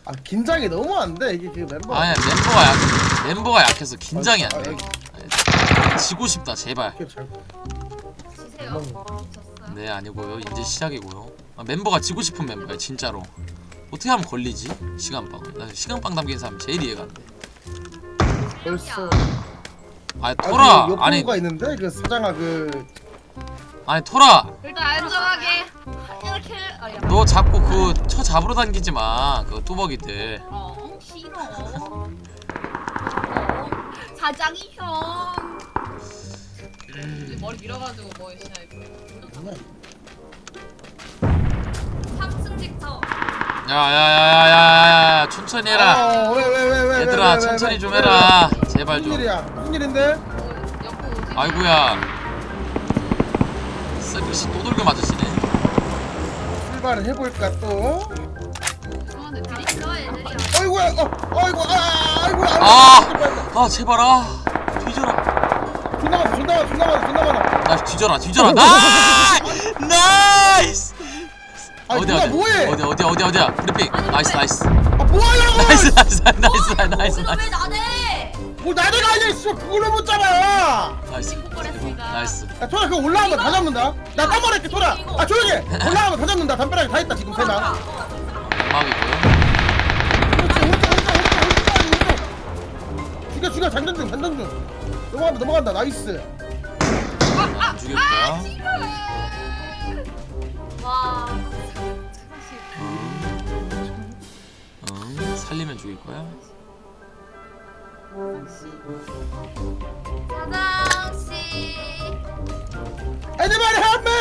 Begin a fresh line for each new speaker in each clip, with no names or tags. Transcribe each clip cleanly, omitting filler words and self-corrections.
아 긴장이 너무 안 돼. 이게 그 멤버.
아니야 멤버가 약해서 긴장이 안 돼. 지고 싶다 제발.
잘.
지세요? 미쳤어요?
네 아니고요 이제 시작이고요. 멤버가 지고 싶은 멤버야 진짜로. 어떻게 하면 걸리지? 시간빵. 나 시간빵 담긴 사람 제일 이해가 안 돼.
벌써.
아니 토라
그
아니
욕구가 있는데 그 사장아 그.
아니 토라
일단 안전하게 이렇게
너 자꾸 그 쳐 잡으러 다니지 마. 그 뚜벅이들.
싫어. 사장이 형. 머리 밀어가지고 뭐 시나 이거. 3층 집터.
야야야야야야 천천히 해라.
왜
얘들아 천천히 좀 해라. 제발
무슨
좀.
일이야? 무슨 일인데?
옆으로 오지.
아이고야. 서비스 또 돌고 맞으시네.
출발을 해볼까 또?
죄송한데 드릴까 애들이야.
아이고야, 아이고야.
아 제발 뒤져라.
존나 많아.
나 뒤져라. 나이스.
아니
어디야? 어디야? 브리핑. 나이스.
아 뭐하냐고!
나이스.
왜 나대?
뭐 나대가 아니야, 씨. 그걸로 못 잡아.
나이스.
야, 토라 그거 올라가면 다 잡는다. 나 딴 말할게, 토라. 아 조용히 해. 올라가면 다 잡는다. 담벼락에 다 있다 지금 세 명.
막이고요.
그렇지, 죽여. 장전중. 넘어간다. 나이스.
안 죽였다.
와.
살리면 죽일 거야.
사장씨.
Anybody help me?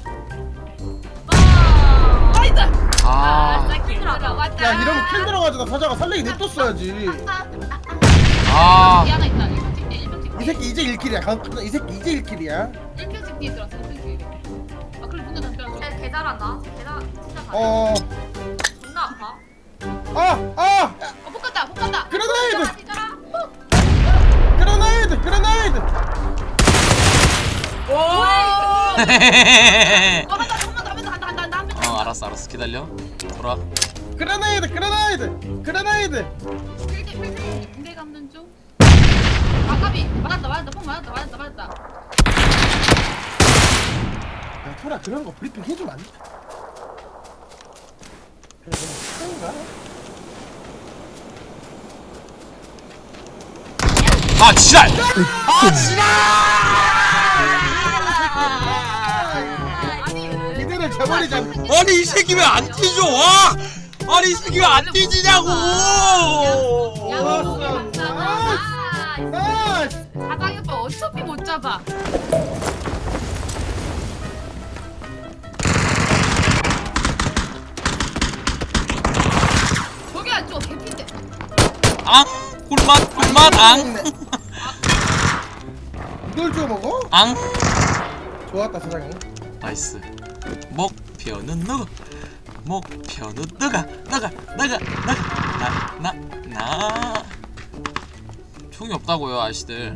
나이스.
아.
야 이러면 킬 들어가지고 사자가 살리기 냅뒀어야지.
아.
하나 있다. 1편 찍.
이 새끼 이제 1킬이야. 이 새끼 이제 1킬이야.
1편 찍 뒤에 들어왔어. 1편 찍. 아 그래 문도 닫혀줘. 개 잘한다. 진짜 잘해. 존나 아파. 못 간다.
그레네이드.
뒤져라.
그레네이드.
오. 한번 더.
알았어 기다려. 돌아.
그레네이드.
군대 감는 중. 아까비 맞았다. phong 맞았다.
야 토라 그런 거 브리핑 해주면 안 돼? 그래 그런가?
아 지랄.
이들을 저버리자.
아니 이 새끼 왜 안 뛰죠? 와! 아니 이 새끼 왜 안 뛰지냐고!
사장이 오빠 어차피 못 잡아. 저기 안 줘. 개핀데.
앙! 꿀맛 앙!
이걸 줘 먹어?
앙!
좋았다 사장님.
나이스. 목표는 누구? 목표는 너가 나 총이 없다고요 아저씨들.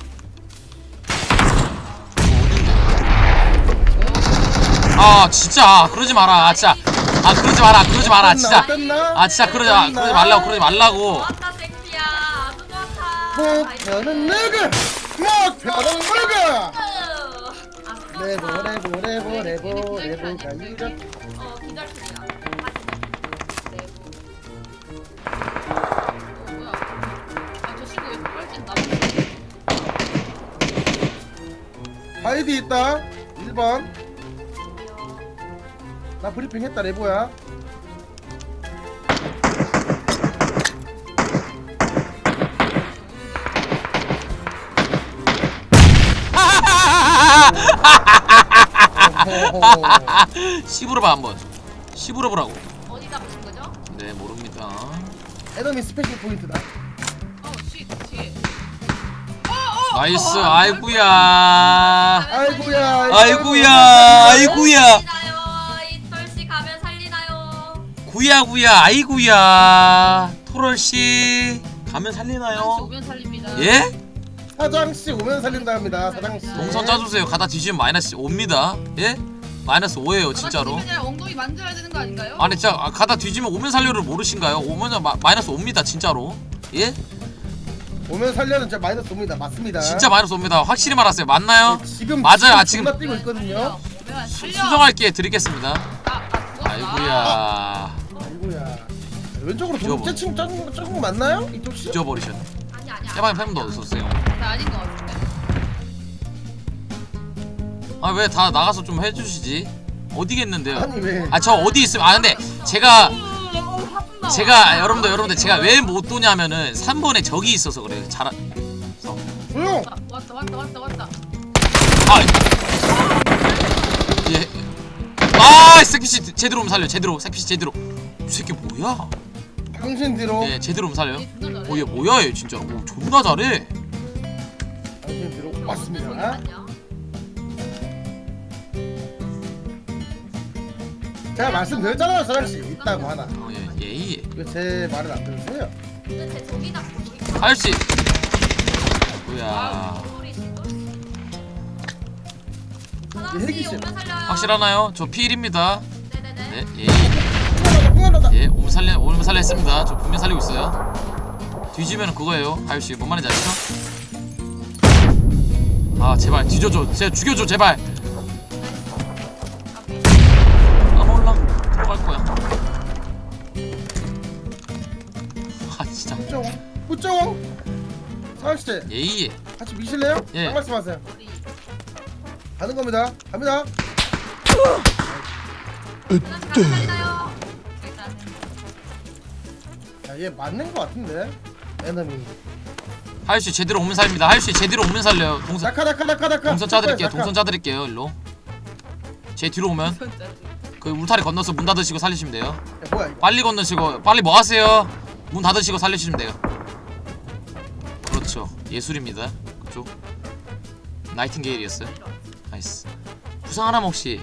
아 진짜 그러지 마라 진짜. 그러지 마라 진짜. 진짜 그러지 말라고.
좋았다 섹시야. 아주 좋다.
목표는 누구? 레보가 이런.
기다립니다. 뭐야? 저 친구 왜 뻘찐다?
아이디 있다. 1번. 나 브리핑 했다 레보야.
씹으러봐 한번. 씹으러보라고.
어디 잡으신 거죠?
네 모릅니다.
에너미 스페셜 포인트다.
쉿.
나이스. 아이구야.
살리나요? 이털씨 가면 살리나요?
구야구야. 아이구야. 토럴씨 가면 살리나요?
오면 살립니다.
예?
사장씨 오면 살린다 합니다. 사장씨.
동선 짜주세요. 가다 뒤지면 마이너스 옵니다. 예? 마이너스 5예요 진짜로.
아니라 엉덩이 만져야 되는 거 아닌가요?
아니 진짜 가다 뒤지면 오면 살려를 모르신가요? 오면은 마이너스 5입니다 진짜로. 예?
오면 살려는 진짜 마이너스 옵니다. 맞습니다.
진짜 마이너스 5입니다. 확실히 말하세요. 맞나요?
지금
맞아요. 아, 지금
존나 뛰고 있거든요.
수정할 기회 드리겠습니다.
죽었다.
아이고야.
아이고야. 왼쪽으로
뒤져봐.
조금 맞나요? 이쪽 씨?
잊어버리셨네.
아니야.
해방님 팬분도 어서오세요.
나 아닌 거 같은데.
아 왜 다 나가서 좀 해주시지? 어디겠는데요?
아니 왜?
아 저 어디 있으면 근데 제가 여러분들 제가 왜 못 도냐면은 3번에 적이 있어서 그래요.
조용.
왔다.
아 예. 아 새끼씨 제대로 오면 살려. 제대로 새끼씨 제대로. 이 새끼 뭐야?
당신 뒤로.
예 제대로 오면 살려.
얘 존나 잘해.
얘 뭐야 얘 진짜. 오 존나 잘해.
당신 뒤로.
저기
맞습니다.
맞냐?
제가 말씀드렸잖아요, 사랑 씨. 있다고 하나.
예.
왜 제 말을 안 들으세요?
도대체 저기다
아저씨. 뭐야?
이 헬기 씨.
확실하나요? 저 피일입니다.
네네네.
네 예.
풍간하다.
예, 오면 살려 했습니다. 저 분명 살리고 있어요. 뒤지면 그거예요. 하유씨, 뭔 말인지 아시죠? 아, 제발 뒤져줘. 제발 죽여줘, 제발. 아, 몰라. 들어갈 거야. 아, 진짜.
뿌쩌왕. 사랑 씨,
예예.
같이 미실래요?
예.
딱 말씀하세요. 가는 겁니다. 갑니다. 야, 얘 맞는 거 같은데. 에너미.
하유씨 제대로 오면 살립니다. 하유씨 제대로 오면 살려요. 동선
낙하.
동선 짜드릴게요. 동선 짜드릴게요. 일로. 제 뒤로 오면 그 울타리 건너서 문 닫으시고 살리시면 돼요.
야, 뭐야 이거?
빨리 건너시고 빨리 뭐 하세요? 문 닫으시고 살리시면 돼요. 그렇죠. 예술입니다. 그쪽. 나이팅게일이었어요. 나이스. 부상 하나만 혹시.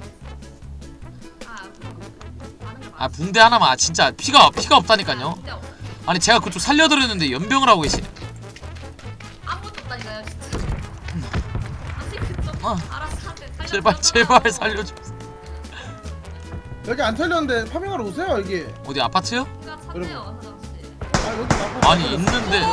아 붕대 하나만. 아 진짜 피가 없다니까요. 아니 제가 그쪽 살려드렸는데 연병을 하고 계시네.
아무것도 없다니까요 진짜. 아직 그쪽
아.
알아서 하세요.
제발 살려줘.
여기 안 털렸는데 파밍하러 오세요 여기.
어디 아파트요?
찾네요 사장씨.
아 여기 나고.
아니 있는데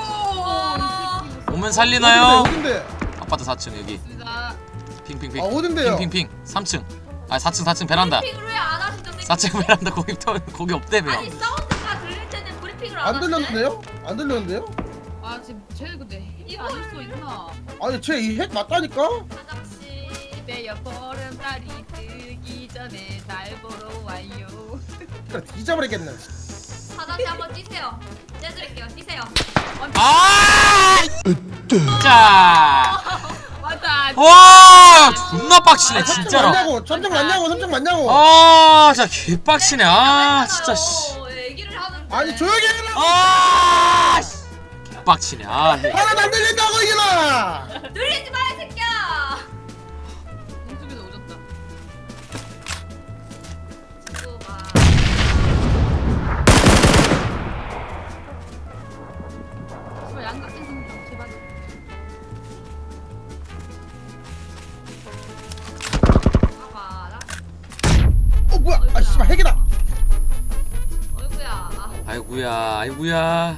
오면 살리나요?
어딘데?
아파트 4층 여기. 핑핑핑.
아 어딘데요?
핑핑핑 3층. 아 4층 베란다.
브리핑을 왜 안 하시죠?
4층 베란다 거기 없대며.
아니 사운드가 들릴 때는 브리핑을 안
안
하시네?
들렸는데요? 안 들렸는데요?
아 지금 쟤 근데 핵이 아닐 수 있나?
아니 쟤 이 핵 맞다니까?
사장씨 내 보름달이 뜨기 전에 날 보러 와요.
그래 뒤져버리겠네.
사장씨 한번 뛰세요. 떼드릴게요. 뛰세요.
아! 자.
맞아.
와 존나 빡치네 진짜로.
맞냐고? 점점 맞냐고?
아 진짜 개빡치네. 아 진짜 씨.
얘기를 하는데.
아니 조용히 해라.
아 씨. 개빡치네. 아 해.
하나도 안 들린다고 이거나.
들리지 마 이 새끼야. 공수비도 오졌다. 친구가. 제발 양각진 좀 제발. 봐봐라.
어 뭐야? 아 씨발 핵이다.
어이구야.
아이구야.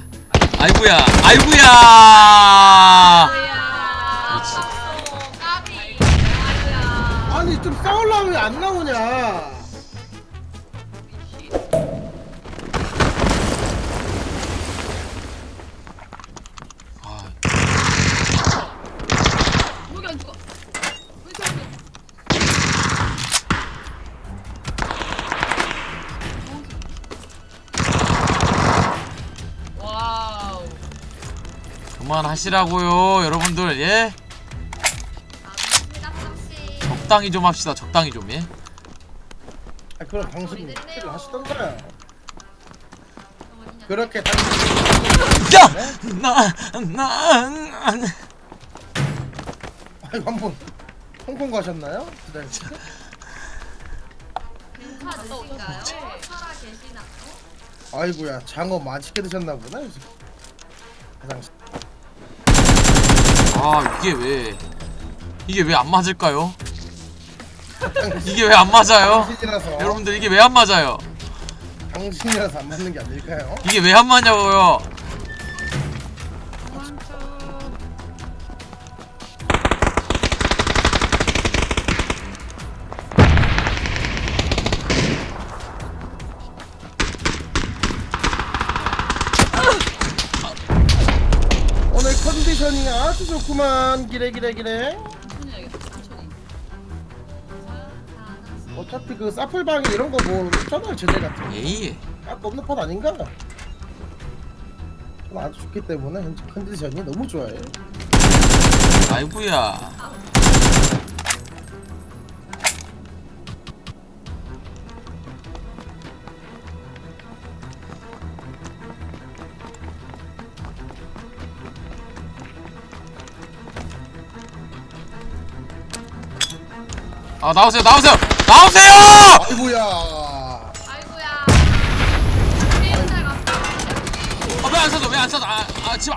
그렇지.
까비. 아이구야.
아니 좀 싸우려면 왜 안 나오냐?
아,
여기 안 죽어. 와우.
그만하시라고요 여러분들. 예? 적당히 좀 합시다. 적당히 좀. 예?
아 그럼 방송 필요 하시던가요? 그렇게 당신
야!
네?
나
아이고 한번 홍콩 가셨나요? 기다리세요.
괜찮으신가요? 살아 계시나?
아이고야 장어 맛있게 드셨나 보다. 화장실.
아 이게 왜 안 맞을까요? 이게 왜 안 맞아요?
당신이라서
여러분들 이게 왜 안 맞아요?
당신이라서 안 맞는 게 아닐까요?
이게 왜 안 맞냐고요?
오늘 컨디션이 아주 좋구만. 기래.
천천히 해야겠다. 천천히.
어차피 그 사플방이 이런 거 뭐 없잖아요, 제대 같은 거.
에이.
아까 없는 판 아닌가? 아주 좋기 때문에 현재 컨디션이 너무 좋아요.
아이고야. 아 나오세요.
아이고야.
아이고야. 게임 잘 갔다.
왜 안 써줘? 지금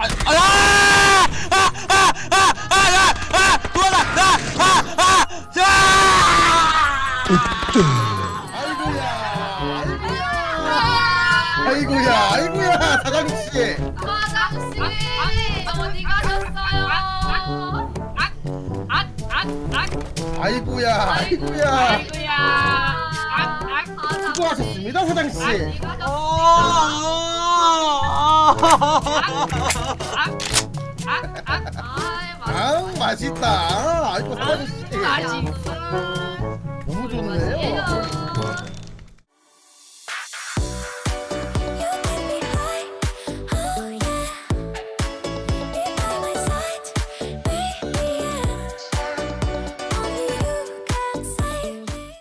아이고야 사장씨.
사장씨 어디 가셨어요?
아이고야
아이고야.
수고하셨습니다 사장씨.
어디 가셨어요?
아 맛있다. 아이고 사장씨.
맛있어.